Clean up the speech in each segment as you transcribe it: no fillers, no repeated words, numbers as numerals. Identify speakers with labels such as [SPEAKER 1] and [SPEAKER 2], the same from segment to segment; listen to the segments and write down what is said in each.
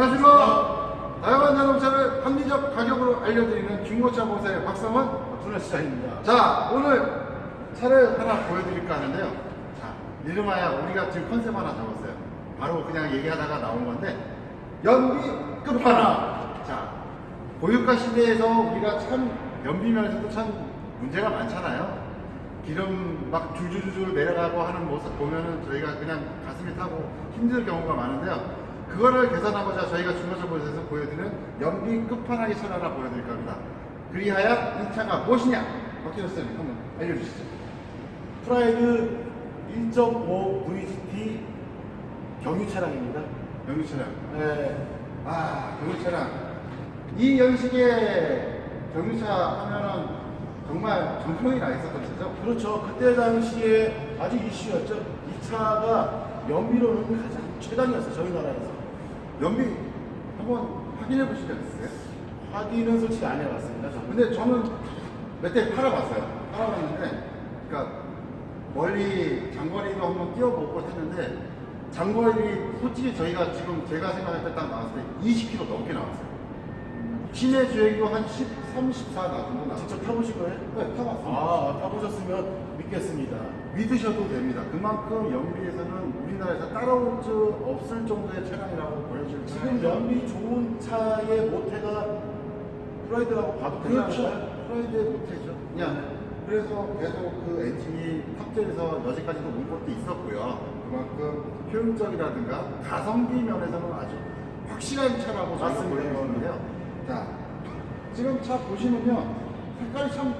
[SPEAKER 1] 안녕하십니까. 다양한 자동차를 합리적 가격으로 알려드리는 중고차 보세요. 박성원
[SPEAKER 2] 준하시장입니다.
[SPEAKER 1] 자, 오늘 차를 하나 보여드릴까 하는데요. 자, 이름하여 우리가 지금 컨셉 하나 잡았어요. 바로 그냥 얘기하다가 나온 건데, 연비 끝판왕. 자, 고유가 시대에서 우리가 참 연비면에서도 참 문제가 많잖아요. 기름 막 줄줄줄 내려가고 하는 모습 보면은 저희가 그냥 가슴이 타고 힘들 경우가 많은데요. 그거를 개선하고자 저희가 중고차 보에서 보여드리는 연비 끝판왕의 차를 하나 보여드릴까 합니다. 그리하여 이 차가 무엇이냐? 박진호 쌤 한번 알려주시죠.
[SPEAKER 2] 프라이드 1.5 VGT 경유 차량입니다.
[SPEAKER 1] 경유 차량.
[SPEAKER 2] 네.
[SPEAKER 1] 아, 경유 차량. 이 연식의 경유차 하면은 정말 정평이 나 있었던 차죠?
[SPEAKER 2] 그렇죠. 그때 당시에 아주 이슈였죠. 이 차가 연비로는 가장 최단이었어요. 저희 나라에서.
[SPEAKER 1] 연비 한번 확인해 보신 적 있으세요?
[SPEAKER 2] 확인은 솔직히 안 해봤습니다. 저는.
[SPEAKER 1] 근데 저는 몇 대 팔아봤어요. 팔아봤는데, 그러니까 멀리 장거리도 한번 뛰어보고 했는데, 장거리 솔직히 저희가 지금 제가 생각할 때 딱 나왔을 때 20km 넘게 나왔어요. 시내 주행도 한 13, 14 정도 나왔어요.
[SPEAKER 2] 직접 타보신 거예요?
[SPEAKER 1] 네, 타봤습니다.
[SPEAKER 2] 아, 타보셨으면 믿겠습니다.
[SPEAKER 1] 믿으셔도 됩니다. 그만큼 연비에서는 우리나라에서 따라올 수 없을 정도의 차량이라고 보여질
[SPEAKER 2] 지금 연비 좋은 차의 모태가 프라이드라고 봐도
[SPEAKER 1] 그렇죠.
[SPEAKER 2] 되나요?
[SPEAKER 1] 프라이드의 모태죠. 그냥 그래서 계속 그 엔진이 탑재해서 여지까지도 온 것도 있었고요. 그만큼 효율적이라든가 가성비 면에서는 아주 확실한 차라고 저희가
[SPEAKER 2] 맞습니다.
[SPEAKER 1] 보여드리는데요. 자, 지금 차 보시면요, 색깔이 참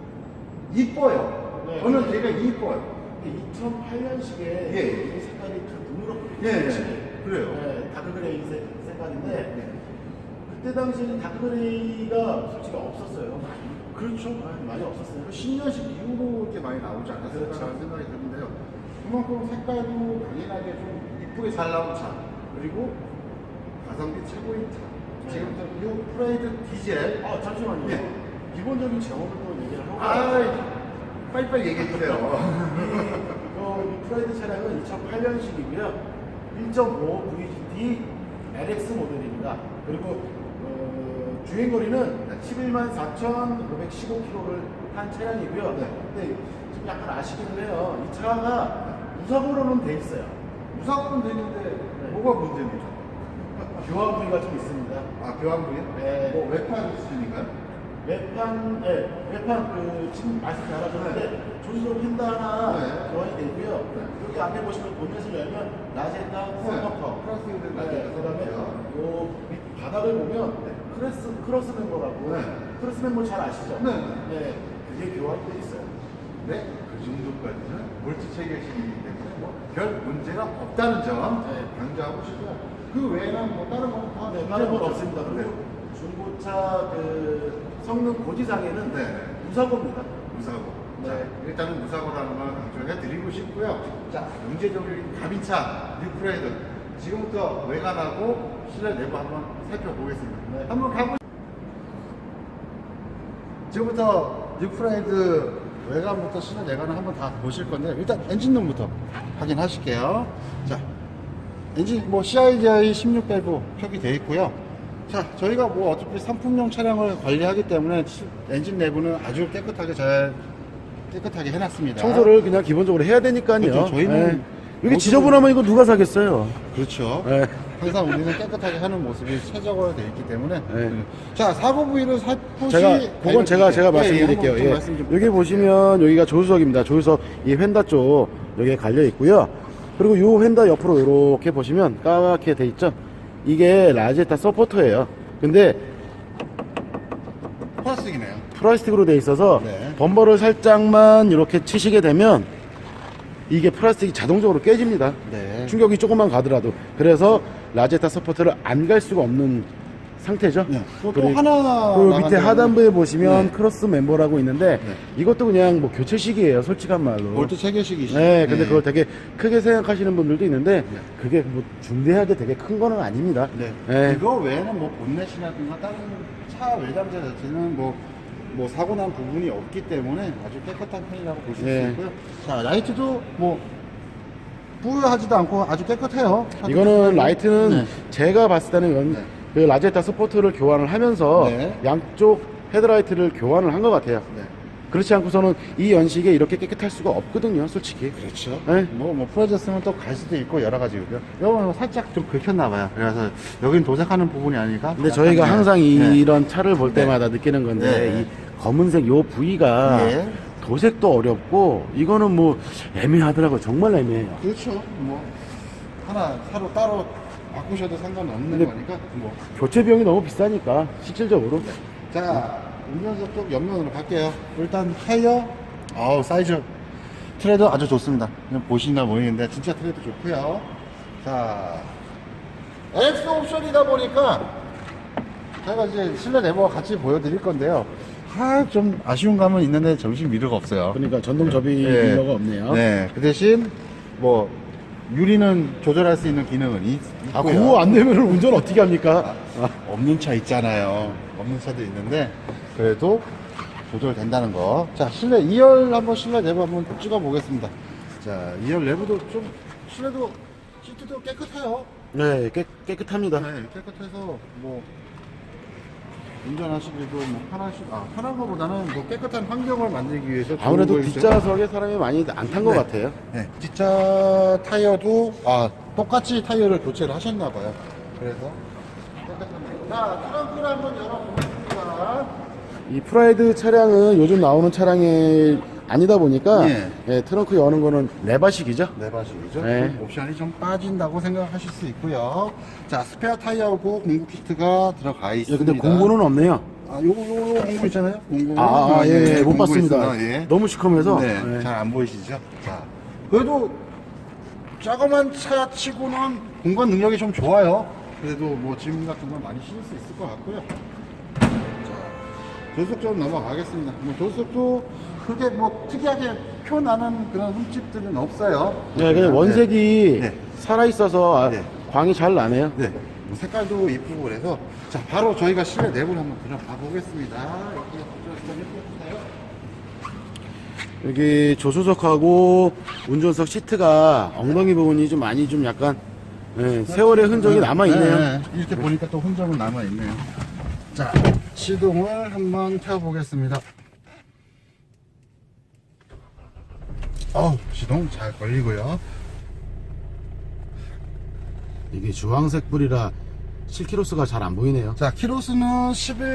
[SPEAKER 1] 이뻐요.
[SPEAKER 2] 네.
[SPEAKER 1] 저는 되게 이뻐요.
[SPEAKER 2] 2008년식에
[SPEAKER 1] 예.
[SPEAKER 2] 이 색깔이 좀 누렇게
[SPEAKER 1] 예, 그래요.
[SPEAKER 2] 네, 다크그레이 색깔인데
[SPEAKER 1] 네.
[SPEAKER 2] 그때 당시에는 다크그레이가 솔직히 없었어요.
[SPEAKER 1] 그렇죠.
[SPEAKER 2] 많이 없었어요.
[SPEAKER 1] 10년씩 이후로 이렇게 많이 나오지 않았을까라는
[SPEAKER 2] 그렇죠.
[SPEAKER 1] 생각이 드는데요. 그만큼 색깔도 당연하게 좀 이쁘게 잘 나온 차, 그리고 가성비 최고인 차. 지금부터 이 프라이드 디젤.
[SPEAKER 2] 아, 잠시만요.
[SPEAKER 1] 예.
[SPEAKER 2] 기본적인 제목을 또 얘기를 하고
[SPEAKER 1] 아, 빨리빨리 얘기해 주세요.
[SPEAKER 2] 이 프라이드 차량은 2008년식이고요. 1.5 VGT LX 모델입니다. 그리고 주행거리는 11만 4,515km를 한 차량이고요.
[SPEAKER 1] 네.
[SPEAKER 2] 근데 지금 약간 아쉽기는 해요. 이 차가 무사고로는 돼 있어요.
[SPEAKER 1] 무사고는 되는데 뭐가 문제입니까?
[SPEAKER 2] 교환 부위가 좀 있습니다.
[SPEAKER 1] 아, 교환부요?
[SPEAKER 2] 네.
[SPEAKER 1] 뭐 외판 수준인가요?
[SPEAKER 2] 외판, 지금 말씀 잘하셨는데 조수석 휀다 하나
[SPEAKER 1] 네.
[SPEAKER 2] 교환이 되고요.
[SPEAKER 1] 네.
[SPEAKER 2] 여기 앞에 보시면 본넷을 열면 라제타 서커터,
[SPEAKER 1] 플라스틱으로 된 라제타
[SPEAKER 2] 그다음에
[SPEAKER 1] 서커터요.
[SPEAKER 2] 요 밑 바닥을 보면 크로스 멤버라고
[SPEAKER 1] 네.
[SPEAKER 2] 크로스 멤버 잘 아시죠?
[SPEAKER 1] 네.
[SPEAKER 2] 네, 그게 교환이 돼 있어요.
[SPEAKER 1] 네, 그 정도까지는 몰트 체계식이기 때문에 별 문제가 없다는 점
[SPEAKER 2] 네.
[SPEAKER 1] 강조하고 싶고요. 그 외에는 뭐 다른 거는 다
[SPEAKER 2] 네,
[SPEAKER 1] 문제가
[SPEAKER 2] 다른 건
[SPEAKER 1] 없죠.
[SPEAKER 2] 없습니다.
[SPEAKER 1] 네.
[SPEAKER 2] 그리고 중고차 그 성능 고지상에는
[SPEAKER 1] 네.
[SPEAKER 2] 무사고입니다.
[SPEAKER 1] 무사고.
[SPEAKER 2] 네.
[SPEAKER 1] 자, 일단은 무사고라는 걸 강조해 드리고 싶고요. 자, 문제적인 가빈차 뉴프라이드. 지금부터 외관하고 실내 내부 한번 살펴보겠습니다.
[SPEAKER 2] 네.
[SPEAKER 1] 한번 가보. 지금부터 뉴프라이드 외관부터 실내 내관을 한번 다 보실 건데 일단 엔진룸부터 확인하실게요. 자, 엔진 뭐 CIGI 16 밸브 표기되어 있고요. 자, 저희가 뭐 어차피 상품용 차량을 관리하기 때문에 엔진 내부는 아주 깨끗하게 해놨습니다.
[SPEAKER 3] 청소를 그냥 기본적으로 해야 되니까요.
[SPEAKER 1] 그렇죠. 저희는
[SPEAKER 3] 이렇게
[SPEAKER 1] 모습을-
[SPEAKER 3] 지저분하면 이거 누가 사겠어요?
[SPEAKER 1] 그렇죠.
[SPEAKER 3] 네.
[SPEAKER 1] 항상 우리는 깨끗하게 하는 모습이 최적화되어 있기 때문에.
[SPEAKER 3] 네.
[SPEAKER 1] 자, 사고 부위를 살포시
[SPEAKER 3] 그건 제가 말씀드릴게요.
[SPEAKER 1] 한번 좀
[SPEAKER 3] 예.
[SPEAKER 1] 말씀 좀
[SPEAKER 3] 여기
[SPEAKER 1] 부탁드릴게요.
[SPEAKER 3] 보시면 여기가 조수석입니다. 조수석 이 휀다 쪽 여기에 갈려 있고요. 그리고 이 휀다 옆으로 이렇게 보시면 까맣게 돼 있죠. 이게 라제타 서포터예요. 근데
[SPEAKER 1] 플라스틱이네요.
[SPEAKER 3] 플라스틱으로 돼 있어서
[SPEAKER 1] 네.
[SPEAKER 3] 범버를 살짝만 이렇게 치시게 되면 이게 플라스틱이 자동적으로 깨집니다.
[SPEAKER 1] 네.
[SPEAKER 3] 충격이 조금만 가더라도. 그래서 라제타 서포터를 안 갈 수가 없는 상태죠.
[SPEAKER 1] 네. 또
[SPEAKER 3] 그리고
[SPEAKER 1] 하나
[SPEAKER 3] 그
[SPEAKER 1] 나간
[SPEAKER 3] 밑에
[SPEAKER 1] 데는
[SPEAKER 3] 하단부에 보시면
[SPEAKER 1] 네.
[SPEAKER 3] 크로스 멤버라고 있는데
[SPEAKER 1] 네.
[SPEAKER 3] 이것도 그냥 뭐 교체식이에요. 솔직한 말로.
[SPEAKER 1] 볼트 체계식이시죠.
[SPEAKER 3] 네, 근데 그걸 되게 크게 생각하시는 분들도 있는데 그게 뭐 중대하게 되게 큰 거는 아닙니다.
[SPEAKER 1] 네.
[SPEAKER 3] 네.
[SPEAKER 1] 그거 외에는 뭐 본넷이라든가 다른 차 외장재 자체는 뭐 사고 난 부분이 없기 때문에 아주 깨끗한 편이라고 보실
[SPEAKER 3] 네.
[SPEAKER 1] 수 있고요. 자, 라이트도 뭐 뿌하지도 않고 아주 깨끗해요.
[SPEAKER 3] 이거는 라이트는
[SPEAKER 1] 네.
[SPEAKER 3] 제가 봤을 때는
[SPEAKER 1] 네.
[SPEAKER 3] 그 라제타 스포트를 교환을 하면서
[SPEAKER 1] 네.
[SPEAKER 3] 양쪽 헤드라이트를 교환을 한 것 같아요.
[SPEAKER 1] 네.
[SPEAKER 3] 그렇지 않고서는 이 연식에 이렇게 깨끗할 수가 없거든요, 솔직히.
[SPEAKER 1] 그렇죠.
[SPEAKER 3] 네.
[SPEAKER 1] 뭐 풀어졌으면 또 갈 수도 있고 여러 가지고요. 이거 살짝 좀 긁혔나 봐요. 그래서 여긴 도색하는 부분이 아니니까.
[SPEAKER 3] 근데 저희가
[SPEAKER 1] 약간,
[SPEAKER 3] 항상
[SPEAKER 1] 네.
[SPEAKER 3] 이런 차를 볼
[SPEAKER 1] 네.
[SPEAKER 3] 때마다 느끼는 건데
[SPEAKER 1] 네.
[SPEAKER 3] 이 검은색 요 부위가
[SPEAKER 1] 예.
[SPEAKER 3] 도색도 어렵고 이거는 뭐 애매하더라고요. 정말 애매해요.
[SPEAKER 1] 그렇죠. 뭐 하나 사로 따로 바꾸셔도 상관없는
[SPEAKER 3] 근데
[SPEAKER 1] 거니까. 뭐.
[SPEAKER 3] 교체 비용이 너무 비싸니까 실질적으로.
[SPEAKER 1] 자, 운전석 쪽 옆면으로 갈게요. 일단 타이어, 사이즈 트레드 아주 좋습니다. 그냥 보시나 보이는데 진짜 트레드 좋고요. 자, 엑스 옵션이다 보니까 제가 이제 실내 내부와 같이 보여드릴 건데요. 좀 아쉬운 감은 있는데 정신 미르가 없어요.
[SPEAKER 3] 그러니까 전동 접이
[SPEAKER 1] 네.
[SPEAKER 3] 딜러가 없네요.
[SPEAKER 1] 네, 그 대신 뭐 유리는 조절할 수 있는 기능은 있고요.
[SPEAKER 3] 아, 그거 안 되면 운전 어떻게 합니까?
[SPEAKER 1] 없는 차 있잖아요. 없는 차도 있는데 그래도 조절된다는 거. 자, 실내 2열 한번 실내 내부 한번 찍어 보겠습니다. 자, 2열 내부도 좀 실내도 시트도 깨끗해요.
[SPEAKER 3] 네, 깨끗합니다.
[SPEAKER 1] 네, 깨끗해서 뭐 운전하시기도 뭐 편한 거보다는 뭐 깨끗한 환경을 만들기 위해서 좋은
[SPEAKER 3] 아무래도
[SPEAKER 1] 거겠죠?
[SPEAKER 3] 뒷좌석에 사람이 많이 안 탄 것
[SPEAKER 1] 네.
[SPEAKER 3] 같아요.
[SPEAKER 1] 네, 뒷차 타이어도 똑같이 타이어를 교체를 하셨나 봐요. 그래서 깨끗합니다. 자, 트렁크를 한번 열어보겠습니다.
[SPEAKER 3] 이 프라이드 차량은 요즘 나오는 차량이 아니다 보니까
[SPEAKER 1] 예.
[SPEAKER 3] 예, 트렁크 여는 거는 레바식이죠.
[SPEAKER 1] 네바식이죠.
[SPEAKER 3] 네.
[SPEAKER 1] 좀 옵션이 좀 빠진다고 생각하실 수 있고요. 자, 스페어 타이어하고 공구 키트가 들어가
[SPEAKER 3] 예,
[SPEAKER 1] 있습니다.
[SPEAKER 3] 근데 공구는 없네요.
[SPEAKER 1] 요거 공구 있잖아요. 공구.
[SPEAKER 3] 예, 못
[SPEAKER 1] 공구
[SPEAKER 3] 봤습니다.
[SPEAKER 1] 있어요. 예.
[SPEAKER 3] 너무 시커매서.
[SPEAKER 1] 네,
[SPEAKER 3] 예.
[SPEAKER 1] 잘 안 보이시죠? 자, 그래도 조그만 차 치고는 공간 능력이 좀 좋아요. 그래도 뭐 짐 같은 건 많이 실을 수 있을 것 같고요. 자, 조수석 좀 넘어가겠습니다. 뭐 조수석도 그게 뭐 특이하게 표나는 그런 흠집들은 없어요.
[SPEAKER 3] 네, 그냥 원색이
[SPEAKER 1] 네.
[SPEAKER 3] 살아있어서
[SPEAKER 1] 네.
[SPEAKER 3] 광이 잘 나네요.
[SPEAKER 1] 네. 뭐 색깔도 이쁘고 그래서 자, 바로 저희가 실내 내부를 한번 들어가 보겠습니다. 여기 좀 예쁘나요?
[SPEAKER 3] 여기 조수석하고 운전석 시트가 엉덩이 부분이 좀 많이 좀 약간 예, 세월의 흔적이 남아있네요.
[SPEAKER 1] 네, 이렇게 보니까 또 흔적은 남아있네요. 자, 시동을 한번 켜보겠습니다. 시동 잘 걸리고요.
[SPEAKER 3] 이게 주황색 불이라 실키로스가 잘 안 보이네요.
[SPEAKER 1] 자, 키로수는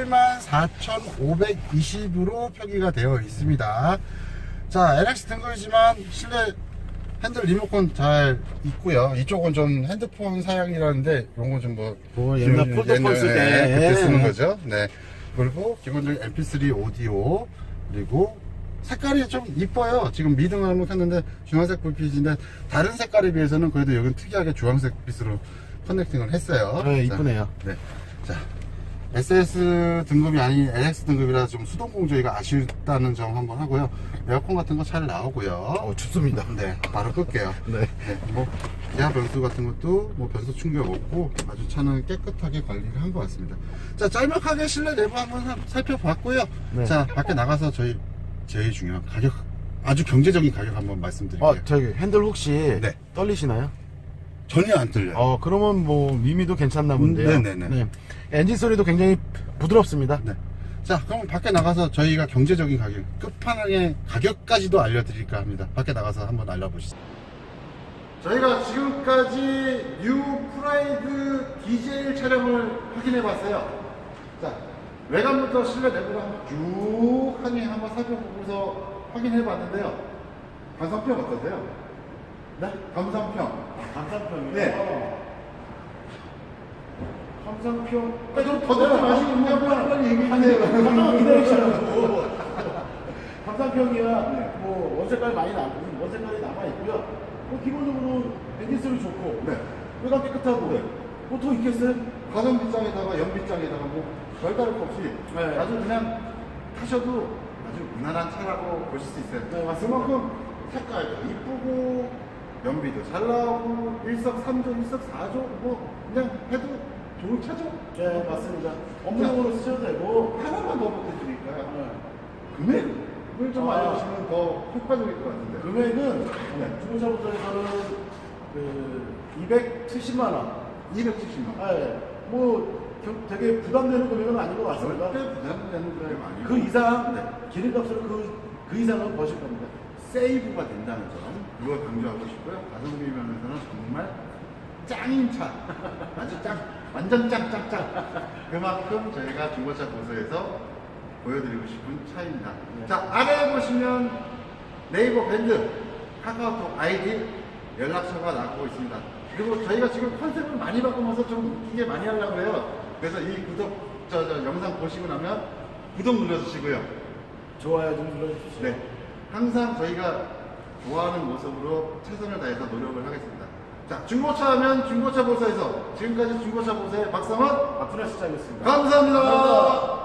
[SPEAKER 1] 114,520으로 표기가 되어 있습니다. 자, LX 등급이지만 실내 핸들 리모컨 잘 있고요. 이쪽은 좀 핸드폰 사양이라는데 이런 건 좀
[SPEAKER 3] 옛날 폴더폰 쓸 때.
[SPEAKER 1] 그때 쓰는 거죠. 네. 그리고 기본적인 MP3 오디오, 그리고 색깔이 좀 이뻐요. 지금 미등을 한번 켰는데 주황색 불빛인데 다른 색깔에 비해서는 그래도 여기는 특이하게 주황색 빛으로 커넥팅을 했어요.
[SPEAKER 3] 네, 이쁘네요.
[SPEAKER 1] 자, 네. 자, SS 등급이 아닌 LX 등급이라 좀 수동공 조이가 아쉽다는 점 한번 하고요. 에어컨 같은 거 잘 나오고요.
[SPEAKER 3] 춥습니다.
[SPEAKER 1] 네, 바로 끌게요.
[SPEAKER 3] 네.
[SPEAKER 1] 뭐 기아 변수 같은 것도 뭐 변수 충격 없고 아주 차는 깨끗하게 관리를 한 것 같습니다. 자, 짤막하게 실내 내부 한번 살펴봤고요.
[SPEAKER 3] 네.
[SPEAKER 1] 자, 밖에 나가서 제일 중요한 가격, 아주 경제적인 가격 한번 말씀드릴게요.
[SPEAKER 3] 저기 핸들 혹시
[SPEAKER 1] 네.
[SPEAKER 3] 떨리시나요?
[SPEAKER 1] 전혀 안 들려요.
[SPEAKER 3] 그러면 뭐 미미도 괜찮나 본데요.
[SPEAKER 1] 네네네.
[SPEAKER 3] 네. 엔진 소리도 굉장히 부드럽습니다.
[SPEAKER 1] 네. 자, 그럼 밖에 나가서 저희가 경제적인 가격, 끝판왕의 가격까지도 알려드릴까 합니다. 밖에 나가서 한번 알려보시죠. 저희가 지금까지 뉴 프라이드 디젤 차량을 확인해 봤어요. 자, 외관부터 실내 내부를 한번 쭉 한번 살펴보면서 확인해 봤는데요. 감상평 어떠세요? 네? 감상평.
[SPEAKER 3] 감상평이요?
[SPEAKER 1] 네.
[SPEAKER 3] 감상평.
[SPEAKER 1] 좀 더듬지 마시고 그냥 빨리 얘기하세요.
[SPEAKER 3] 잠깐만 기다리시라고. 감상평이야. 뭐 원색깔 많이 원색깔이 남아 있고요. 기본적으로 엔진 소리 좋고.
[SPEAKER 1] 네.
[SPEAKER 3] 외관 깨끗하고.
[SPEAKER 1] 네.
[SPEAKER 3] 뭐더 있겠어요?
[SPEAKER 1] 가정빗장에다가 연빗장에다가 뭐 별다를 거 없이
[SPEAKER 3] 네.
[SPEAKER 1] 아주 그냥 타셔도 아주 무난한 차라고 보실 수 있어요.
[SPEAKER 3] 네, 맞습니다.
[SPEAKER 1] 그만큼 색깔도 이쁘고 연비도 잘 나오고 일석삼조 일석사조 뭐 그냥 해도 좋은 차죠.
[SPEAKER 3] 네, 맞습니다. 업무용으로 쓰셔도 되고.
[SPEAKER 1] 하나만 더 보태드릴까요? 금액을 좀 알려주시면 더 효과적일 것 같은데.
[SPEAKER 3] 금액은
[SPEAKER 1] 네.
[SPEAKER 3] 중고차부터에서는
[SPEAKER 2] 그 270만 원.
[SPEAKER 1] 270만 원.
[SPEAKER 2] 아, 예. 되게 부담되는 금액은 아닌 것 같습니다.
[SPEAKER 1] 절대 부담되는 그램 아니고
[SPEAKER 2] 그 이상
[SPEAKER 1] 네.
[SPEAKER 2] 기름값으로 그 이상은 버실 겁니다.
[SPEAKER 1] 세이브가 된다는 점 그걸 강조하고 싶고요. 가성비 면에서는 정말 짱인 차, 아주 짱, 완전 짱짱짱. 그만큼 저희가 중고차 보수에서 보여드리고 싶은 차입니다.
[SPEAKER 2] 네.
[SPEAKER 1] 자, 아래 보시면 네이버 밴드, 카카오톡 아이디, 연락처가 나오고 있습니다. 그리고 저희가 지금 컨셉을 많이 바꾸면서 좀 웃기게 많이 하려고 해요. 그래서 이 영상 보시고 나면 구독 눌러주시고요.
[SPEAKER 2] 좋아요 좀 눌러주십시오.
[SPEAKER 1] 네. 항상 저희가 좋아하는 모습으로 최선을 다해서 노력을 하겠습니다. 자, 중고차 하면 중고차 보사에서 지금까지 중고차 보사의 박상원
[SPEAKER 2] 박준하 시장이었습니다.
[SPEAKER 1] 감사합니다.
[SPEAKER 2] 감사합니다.